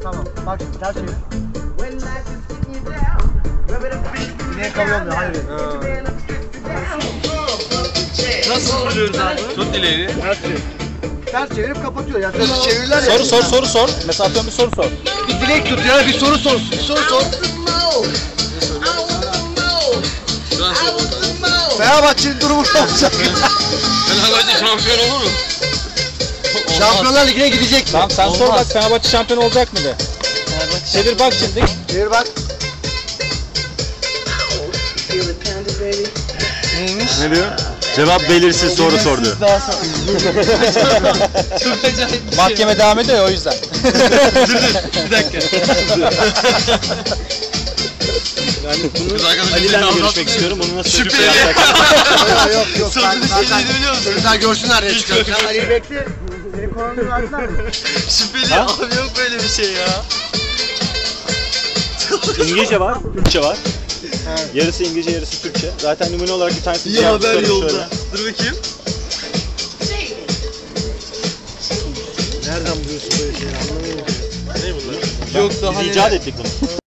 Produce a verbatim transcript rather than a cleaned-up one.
Tamam. Bak şimdi ters çevir. Yine kalıyor hayır. Nasıl buluyoruz abi? Tut dileğini. Ters çevir. Ters çevirip kapatıyor. Yani böyle çevirirler ya. Soru sor soru sor. Mesela atıyorum bir soru sor. Bir dilek tut ya bir soru sor. Bir soru sor. Şu an sor. Fenerbahçe'nin durumu ne olacak? Fenerbahçe şampiyon olur mu? Şampiyonlar Ligi'ne gidecek mi? Tamam sen sor bak Fenerbahçe şampiyon olacak mı de. Çevir bak şimdi. Çevir bak. Neymiş? Ne diyor? Cevap belirsiz soru sordu. Daha sonra. Çok acayip bir şey. Mahkeme devam ediyor ya o yüzden. Dur dur bir dakika. Yani bunu Biz arkadaşlar Ali'den de bizi görüşmek istiyorum. Bunu nasıl Şüpheli. sürüp yapacak? Yok yok. Sorduğu şeyleri biliyor musun? Çocuklar görsünler ya çıkıyor. Sen Ali'yi bekle. Senin konunu versinler mi? Şüpheli abi yok böyle bir şey ya. İngilizce var, Türkçe var. Yarısı İngilizce, yarısı Türkçe. Zaten numune olarak bir tanesi İyi haber yolda. şöyle. Dur bakayım. Nereden buluyorsun böyle şeyleri anlamıyorum. Yok daha Biz neler. icat ettik bunu.